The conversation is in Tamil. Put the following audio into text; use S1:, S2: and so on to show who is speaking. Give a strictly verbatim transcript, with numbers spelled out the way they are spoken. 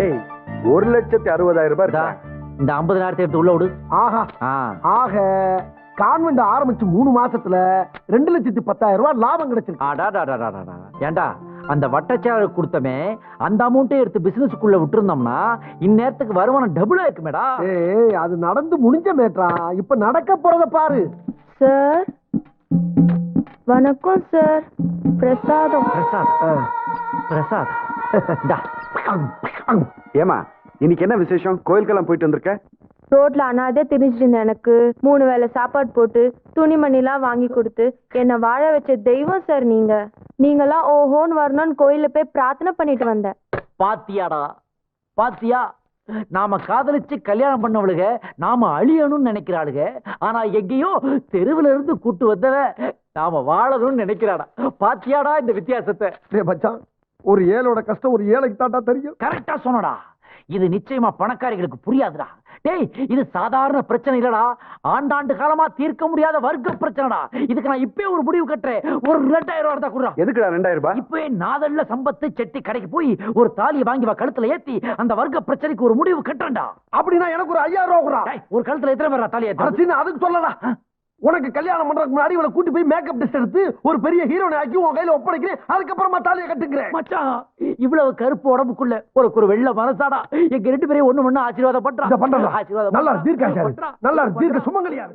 S1: டேய் ஒரு லட்சத்தி அறுபதாயிரம் ரூபாய்
S2: இந்த ஐம்பதாயிரத்தை எடுத்து உள்ள விடு.
S1: ஆஹா ஆக கான்வெண்ட் ஆரம்பிச்சு மூணு மாசத்துல ரெண்டு லட்சத்தி பத்தாயிரம் ரூபாய் லாபம் கிடைச்சிருக்கு.
S2: ஏண்டா அந்த வட்டச்சாலை கொடுத்தமே அந்த அமௌண்ட்டே எடுத்து பிசினஸ்க்குள்ள விட்டுருந்தோம்னா இந்நேரத்துக்கு வருமானம் டபுளா இருக்குமேடா.
S1: ஏய் அது நடந்து முடிஞ்ச மேட்ரா, இப்ப நடக்க போறத பாரு.
S3: சார் வணக்கம் சார். பிரசாதம்.
S2: பிரசாத் பிரசாத்
S4: ஏமா இன்னைக்கு என்ன விசேஷம்? கோயிலுக்கெல்லாம் போயிட்டு வந்திருக்க?
S3: ரோட்ல அனாதே திரிஞ்சிட்டு இருந்த எனக்கு மூணு வேளை சாப்பாடு போட்டு துணிமணிலாம் வாங்கி கொடுத்து என்னை வாழ வச்ச தெய்வம் சார் நீங்க. நீங்களாம் ஓஹோன்னு வரணும்னு கோயில போய் பிரார்த்தனை பண்ணிட்டு வந்தேன்.
S2: பாத்தியாடா பாத்தியா, நாம காதலிச்சு கல்யாணம் பண்ணவளுக நாம அழியணும்னு நினைக்கிறாளுக. ஆனா எங்கேயோ தெருவுல இருந்து கூட்டு வந்தவ நாம வாழணும்னு நினைக்கிறாடா. பாத்தியாடா இந்த வித்தியாசத்தை?
S1: மச்சான், ஒரு ஏழோட கஷ்டம் ஒரு ஏழைக்கு தாண்டா தெரியும்.
S2: கரெக்டா சொன்னடா. இது நிச்சயமா பணக்காரிகளுக்கு புரியாதுடா. டேய் இது சாதாரண பிரச்சனை இல்லடா, ஆண்டாண்டு காலமா தீர்க்க முடியாத வர்க்க பிரச்சனைடா. இதுக்கு நான் இப்பவே ஒரு முடிவு கட்டுறேன். ஒரு ரெண்டாயிரம் ரூபாய் தான் கொடுறா.
S4: எதுக்குடா ரெண்டாயிரம் ரூபாய்?
S2: இப்பவே நாதல்ல சம்பத்து செட்டி கடைக்கு போய் ஒரு தாலியை வாங்கி வா, கழுத்துல ஏத்தி அந்த வர்க்க பிரச்சனைக்கு ஒரு முடிவு கட்டுறேன்டா.
S1: அப்படின்னா எனக்கு ஒரு ஐயாயிரம் ரூபாய் கொடுறா.
S2: ஒரு கழுத்துல எத்தனை பேரா தாலியை ஏத்தி?
S1: அதுக்கு சொல்லலாம். உனக்கு கல்யாணம் பண்றதுக்கு முன்னாடி இவளை கூட்டி போய் மேக்கப் டெஸ்ட் எடுத்து ஒரு பெரிய ஹீரோனை ஆக்கி உன் கையில ஒப்படைக்கிறேன். அதுக்கப்புறமா தாலியை கட்டுக்கிறேன்.
S2: மச்சான் இவ்வளவு கருப்பு உடம்புக்குள்ள ஒரு ஒரு வெள்ள மனசாடா எங்க ரெண்டு பேரையும் ஒண்ணு ஒண்ணு ஆசீர்வாதம் பண்றான்.
S1: ஆசீர்வாதம் நல்லா தீர்க்க நல்லா தீர்க்க சுமங்கலியா.